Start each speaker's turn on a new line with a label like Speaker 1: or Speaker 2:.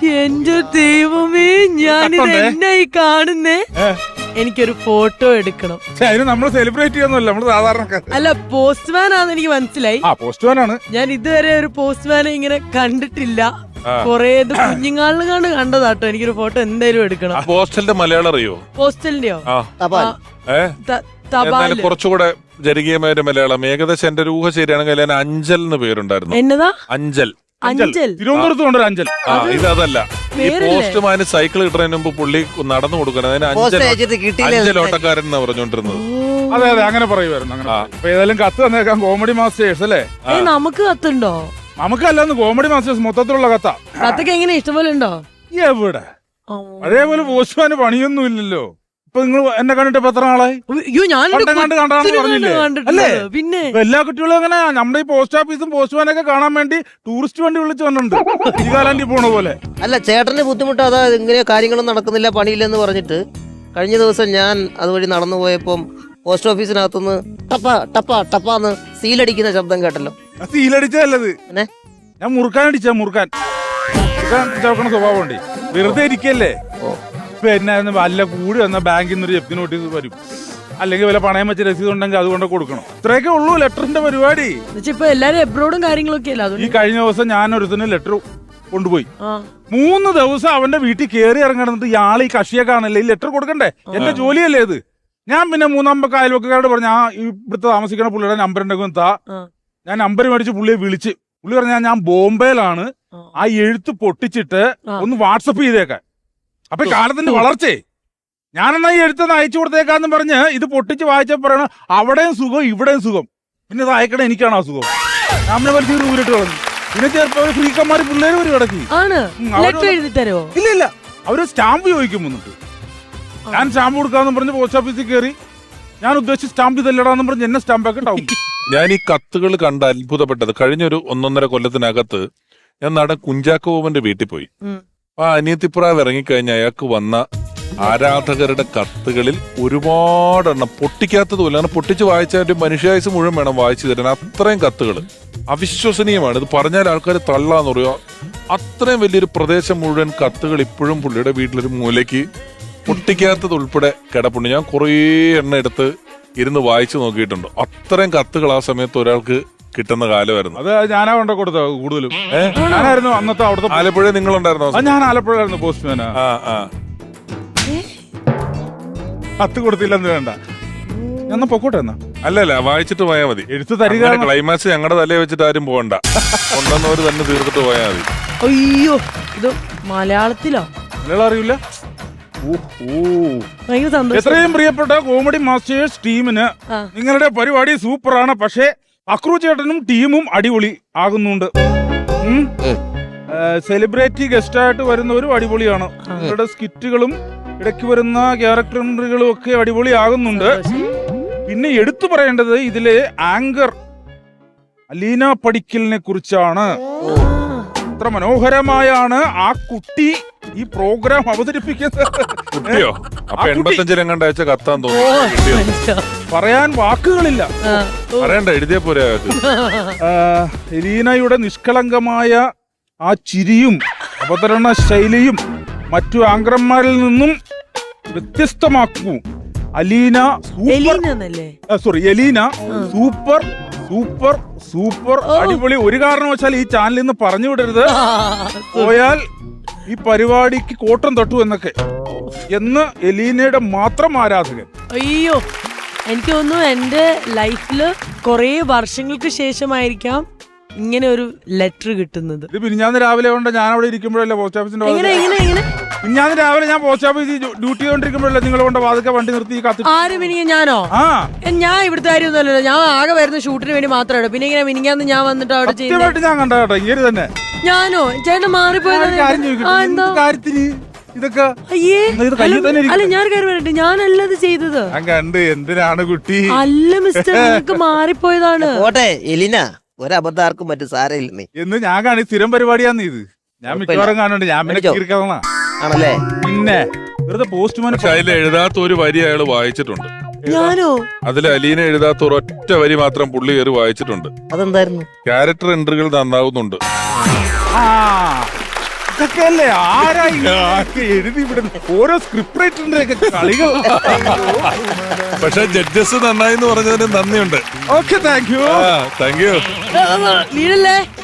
Speaker 1: എന്റെ ദൈവമേ, ഞാനിത് എന്നായി കാണുന്നേ. എനിക്കൊരു ഫോട്ടോ എടുക്കണം.
Speaker 2: അതിന് നമ്മൾ സെലിബ്രേറ്റ് ചെയ്യുന്നല്ല, നമ്മള് സാധാരണ.
Speaker 1: അല്ല, പോസ്റ്റ്മാൻ ആണെന്ന് എനിക്ക് മനസ്സിലായി.
Speaker 2: പോസ്റ്റ്മാൻ ആണ്.
Speaker 1: ഞാൻ ഇതുവരെ ഒരു പോസ്റ്റ്മാനെ ഇങ്ങനെ കണ്ടിട്ടില്ല. കൊറേ കുഞ്ഞുങ്ങളിലാണ് കണ്ടതാട്ടോ. എനിക്കൊരു ഫോട്ടോ എന്തായാലും എടുക്കണം.
Speaker 3: പോസ്റ്റലിന്റെ മലയാളം അറിയോ?
Speaker 1: പോസ്റ്റലിന്റെയോ?
Speaker 3: കുറച്ചുകൂടെ ജനകീയമായ ഒരു മലയാളം. ഏകദേശം എന്റെ ഒരു ഊഹ ശരിയാണെങ്കിൽ അതിന് അഞ്ചൽ എന്ന് പേരുണ്ടായിരുന്നു.
Speaker 1: എന്നതാ?
Speaker 3: അഞ്ചൽ.
Speaker 2: തിരുവനന്തപുരത്ത് കൊണ്ടൊരു അഞ്ചൽ.
Speaker 3: ഇതല്ല. ഈ പോസ്റ്റ്മാന് സൈക്കിൾ കിട്ടുന്നതിന് മുമ്പ് പുള്ളി നടന്നു കൊടുക്കണം. അതിന് അഞ്ചലോട്ടക്കാരൻ എന്നാ പറഞ്ഞോണ്ടിരുന്നത്.
Speaker 2: അതെ അതെ, അങ്ങനെ പറയുമായിരുന്നു. ഏതായാലും കത്ത് തന്നേക്കാം. കോമഡി മാസ്റ്റേഴ്സ് അല്ലേ?
Speaker 1: നമുക്ക് കത്തുണ്ടോ?
Speaker 2: നമുക്കല്ലെന്ന് കോമഡി മാസ്റ്റേഴ്സ് മൊത്തത്തിലുള്ള കത്താ.
Speaker 1: കത്തൊക്കെ എങ്ങനെ ഇഷ്ടംപോലെ ഉണ്ടോ?
Speaker 2: എവിടെ അതേപോലെ പോസ്റ്റ്മാന് പണിയൊന്നും ഇല്ലല്ലോ. ഇപ്പൊ നിങ്ങൾ എന്നെ കണ്ടിട്ട് ഇപ്പൊ എത്ര നാളായി?
Speaker 1: പറഞ്ഞില്ലേ? പിന്നെ
Speaker 2: എല്ലാ കുട്ടികളും അങ്ങനെ നമ്മുടെ ഈ പോസ്റ്റ് ഓഫീസും പോസ്റ്റ്മാനൊക്കെ കാണാൻ വേണ്ടി ടൂറിസ്റ്റ് വണ്ടി വിളിച്ചു വന്നിട്ടുണ്ട്, ശ്രീകാലാൻഡി പോണ പോലെ.
Speaker 4: അല്ല, ചേട്ടന് ബുദ്ധിമുട്ട് അതാ, ഇങ്ങനെ കാര്യങ്ങളും നടക്കുന്നില്ല, പണിയില്ലെന്ന് പറഞ്ഞിട്ട്. കഴിഞ്ഞ ദിവസം ഞാൻ അതുവഴി നടന്നു പോയപ്പം പോസ്റ്റ് ഓഫീസിനകത്തുനിന്ന് ടപ്പ ടപ്പ ടപ്പാന്ന് സീലടിക്കുന്ന ശബ്ദം കേട്ടല്ലോ.
Speaker 2: സീലടിച്ചല്ലത്, ഞാൻ മുറുക്കാൻ ചവക്കണ സ്വഭാവം ഉണ്ട്. വെറുതെ ഇരിക്കല്ലേ. പിന്നെ വല്ല കൂടി വന്ന ബാങ്കിൽ നിന്നൊരു ജപ്തി നോട്ടീസ് വരും, അല്ലെങ്കിൽ വല്ല പണയം വെച്ച രസീത് ഉണ്ടെങ്കിൽ അതുകൊണ്ട് കൊടുക്കണം. ഇത്രയൊക്കെ ഉള്ളൂ ലെറ്ററിന്റെ പരിപാടി.
Speaker 1: ഇപ്പൊ എല്ലാരും എബ്രോഡും കാര്യങ്ങളൊക്കെ.
Speaker 2: ഈ കഴിഞ്ഞ ദിവസം ഞാൻ ഒരുത്തിന് ലെറ്റർ കൊണ്ടുപോയി. 3 ദിവസം അവന്റെ വീട്ടിൽ കയറി ഇറങ്ങണമെന്നിട്ട് ഇയാൾ ഈ കക്ഷിയെ കാണല്ലേ, ഈ ലെറ്റർ കൊടുക്കണ്ടേ? എന്റെ ജോലിയല്ലേ ഇത്. ഞാൻ പിന്നെ 3 അയൽവക്കാരോട് പറഞ്ഞു, ഇവിടുത്തെ താമസിക്കണ പുള്ളിയുടെ നമ്പർ ഉണ്ടെങ്കിൽ താ. ഞാൻ നമ്പർ മേടിച്ച് പുള്ളിയെ വിളിച്ച്, പുള്ളി പറഞ്ഞാൽ ഞാൻ ബോംബെയിലാണ്, ആ എഴുത്ത് പൊട്ടിച്ചിട്ട് ഒന്ന് വാട്സപ്പ് ചെയ്തേക്കാൻ. അപ്പൊ കാലത്തിന്റെ വളർച്ചയെ ഞാനെന്നാ ഈ എഴുത്തൊന്ന് അയച്ചു കൊടുത്തേക്കാന്ന് പറഞ്ഞ് ഇത് പൊട്ടിച്ച് വായിച്ചപ്പോ പറയണ അവിടെയും സുഖം ഇവിടെയും സുഖം, പിന്നെ ഇത് അയക്കണേ എനിക്കാണ് ആ സുഖം. നമ്മളെ വലിയ ഊരിട്ട് കളഞ്ഞു. പിന്നെ ചിലപ്പോ ഫ്രീക്കന്മാര് പിള്ളേര് ഒരു കിടക്കി. ഇല്ല, അവര് സ്റ്റാമ്പ് ചോദിക്കും വന്നിട്ട്. ഞാൻ സ്റ്റാമ്പ് കൊടുക്കാന്ന് പറഞ്ഞ് പോസ്റ്റ് ഓഫീസിൽ കയറി, ഞാൻ ഉദ്ദേശിച്ച സ്റ്റാമ്പ് ഇതല്ലടാന്ന് പറഞ്ഞ് എന്നെ സ്റ്റാമ്പൊക്കെ ഉണ്ടാവും.
Speaker 3: ഞാൻ ഈ കത്തുകൾ കണ്ട് അത്ഭുതപ്പെട്ടത് കഴിഞ്ഞൊരു 1.5 കൊല്ലത്തിനകത്ത് ഞാൻ നടൻ കുഞ്ചാക്കോവന്റെ വീട്ടിൽ പോയി. ആ അനിയത്തിപ്രാവ് ഇറങ്ങിക്കഴിഞ്ഞ അയാൾക്ക് വന്ന ആരാധകരുടെ കത്തുകളിൽ ഒരുപാടെണ്ണം പൊട്ടിക്കാത്തതുപോലെ, അങ്ങനെ പൊട്ടിച്ച് വായിച്ച മനുഷ്യായുസ് മുഴുവൻ വേണം വായിച്ചു തരാൻ. അത്രയും കത്തുകൾ അവിശ്വസനീയമാണ്. ഇത് പറഞ്ഞാൽ ആൾക്കാർ തള്ളാന്ന് പറയുക. അത്രയും വലിയൊരു പ്രദേശം മുഴുവൻ കത്തുകൾ ഇപ്പോഴും പുള്ളിയുടെ വീട്ടിലൊരു മൂലയ്ക്ക് പൊട്ടിക്കാത്തത് ഉൾപ്പെടെ കിടപ്പുണ്ട്. ഞാൻ കുറേ എണ്ണം എടുത്ത് ഇരുന്ന് വായിച്ചു നോക്കിയിട്ടുണ്ട്. അത്രയും കത്തുകൾ ആ സമയത്ത് ഒരാൾക്ക് കിട്ടുന്ന കാലമായിരുന്നു.
Speaker 2: അത് ഞാനാ കൊണ്ട് കൊടുത്തത് കൂടുതലും. ഞാനായിരുന്നു അന്നത്തെ അവിടുത്തെ.
Speaker 3: ആലപ്പുഴ നിങ്ങളുണ്ടായിരുന്നോ?
Speaker 2: ഞാൻ ആലപ്പുഴയായിരുന്നു പോസ്റ്റ്മാനാ. കത്ത് കൊടുത്തില്ലെന്ന് വേണ്ട, ഞാൻ പൊക്കോട്ടെ എന്നാ.
Speaker 3: അല്ലല്ല, വായിച്ചിട്ട് പോയാൽ മതി.
Speaker 2: എഴുത്ത് തരിക.
Speaker 3: ക്ലൈമാക്സ് ഞങ്ങളുടെ തലയെ വെച്ചിട്ട് ആരും പോകണ്ട, കൊണ്ടുവന്നവര് തന്നെ തീർത്തിട്ട് പോയാൽ മതി.
Speaker 1: അയ്യോ, ഇത് മലയാളത്തിലോ?
Speaker 2: മലയാളം അറിയില്ല. എത്രയും പ്രിയപ്പെട്ട കോമഡി മാസ്റ്റേഴ്സ് ടീമിന് നിങ്ങളുടെ പരിപാടി സൂപ്പറാണ്. പക്ഷേ അക്രു ചേട്ടനും ടീമും അടിപൊളി ആകുന്നുണ്ട്. സെലിബ്രിറ്റി ഗസ്റ്റായിട്ട് വരുന്നവരും അടിപൊളിയാണ്. നിങ്ങളുടെ സ്കിറ്റുകളും ഇടയ്ക്ക് വരുന്ന ക്യാരക്ടറുകളും ഒക്കെ അടിപൊളി ആകുന്നുണ്ട്. പിന്നെ എടുത്തു പറയേണ്ടത് ഇതിലെ ആങ്കർ അലീന പടിക്കലിനെ കുറിച്ചാണ്. അത്ര മനോഹരമായാണ് ആ കുട്ടി ഈ പ്രോഗ്രാം അവതരിപ്പിക്കുന്നത്. പറയാൻ വാക്കുകളില്ല.
Speaker 3: എഴുതിയ പോലെ
Speaker 2: എലീനയുടെ നിഷ്കളങ്കമായ ആ ചിരിയും അവതരണ ശൈലിയും മറ്റു ആങ്കർമാരിൽ നിന്നും വ്യത്യസ്തമാക്കൂ. എലീന സൂപ്പർ സൂപ്പർ സൂപ്പർ അടിപൊളി. ഒരു കാരണവശാൽ ഈ ചാനലിൽ നിന്ന് പറഞ്ഞു വിടരുത്, പോയാൽ ഈ പരിപാടിക്ക് കോട്ടം തൊട്ടു എന്നൊക്കെ എന്ന് എലീനയുടെ മാത്രം ആരാധകൻ.
Speaker 1: അയ്യോ, എനിക്ക് തോന്നുന്നു എന്റെ ലൈഫില് കൊറേ വർഷങ്ങൾക്ക് ശേഷമായിരിക്കാം ഇങ്ങനെ ഒരു ലെറ്റർ കിട്ടുന്നത്.
Speaker 2: ഇത് പിന്നാന്ന് രാവിലെ കൊണ്ട് ഞാൻ അവിടെ ഇരിക്കുമ്പോഴല്ലേ പോസ്റ്റ് ഓഫീസിന്റെ പിന്നാന്ന് രാവിലെ ഞാൻ പോസ്റ്റ് ഓഫീസിൽ ഡ്യൂട്ടി ചെയ്തോണ്ടിരിക്കുമ്പോഴല്ലേ നിങ്ങൾ കൊണ്ട് വാതിക്കെ വണ്ടി നിർത്തി കത്തി.
Speaker 1: ആര് മിനിങ്ങ? ഞാനോ? ഞാൻ ഇവിടുത്തെ കാര്യമൊന്നുമല്ലോ. ഞാൻ ആകെ വരുന്ന ഷൂട്ടിന് വേണ്ടി മാത്രമേ. പിന്നെ ഇങ്ങനെ മിനിങ്ങാന്ന് ഞാൻ വന്നിട്ട് അവിടെ
Speaker 2: ചെയ്തിട്ട് ഞാൻ കണ്ട കേട്ടോ ഇങ്ങനെ തന്നെ.
Speaker 1: ഞാനോ? ചേട്ടൻ മാറിപ്പോയത്
Speaker 2: കാര്യത്തിന് ഇതൊക്കെ.
Speaker 1: അല്ല, ഞാൻ കാര്യം പറയട്ടെ, ഞാനല്ലത് ചെയ്തത്.
Speaker 2: കണ്ട് എന്തിനാണ് കുട്ടി?
Speaker 1: അല്ല മിസ്റ്റർ, നിങ്ങൾക്ക് മാറിപ്പോയതാണ്.
Speaker 4: എലിന ഒരബദ്ധാർക്കും മറ്റു സാരമില്ല
Speaker 2: എന്ന് ഞാൻ കാണി. സ്ഥിരം പരിപാടിയാന്ന് ഇത്. ഞാൻ മിക്കവാറും കാണുന്നുണ്ട്. ഞാൻ പിന്നെ
Speaker 4: ആണല്ലേ.
Speaker 2: പിന്നെ വെറുതെ പോസ്റ്റ്മാൻ
Speaker 3: അതിൽ എഴുതാത്ത ഒരു വരി അയാൾ വായിച്ചിട്ടുണ്ട്.
Speaker 1: ഞാനോ?
Speaker 3: അതിൽ അലീന എഴുതാത്ത ഒരൊറ്റ വരി മാത്രം പുള്ളി കയറി വായിച്ചിട്ടുണ്ട്.
Speaker 4: അതെന്തായിരുന്നു?
Speaker 3: ക്യാരക്ടർ എൻട്രികൾ നന്നാവുന്നുണ്ട്.
Speaker 2: ഇതൊക്കെയല്ലേ ആരാ ഇതൊക്കെ എഴുതി വിടുന്നത്? ഓരോ സ്ക്രിപ്റ്റ് റൈറ്ററിന്റെ ഒക്കെ കളികൾ.
Speaker 3: പക്ഷെ ജഡ്ജസ് നന്നായി എന്ന് പറഞ്ഞതിന് നന്ദിയുണ്ട്.
Speaker 2: Okay, thank you.
Speaker 3: Thank you.
Speaker 1: വീഴല്ലേ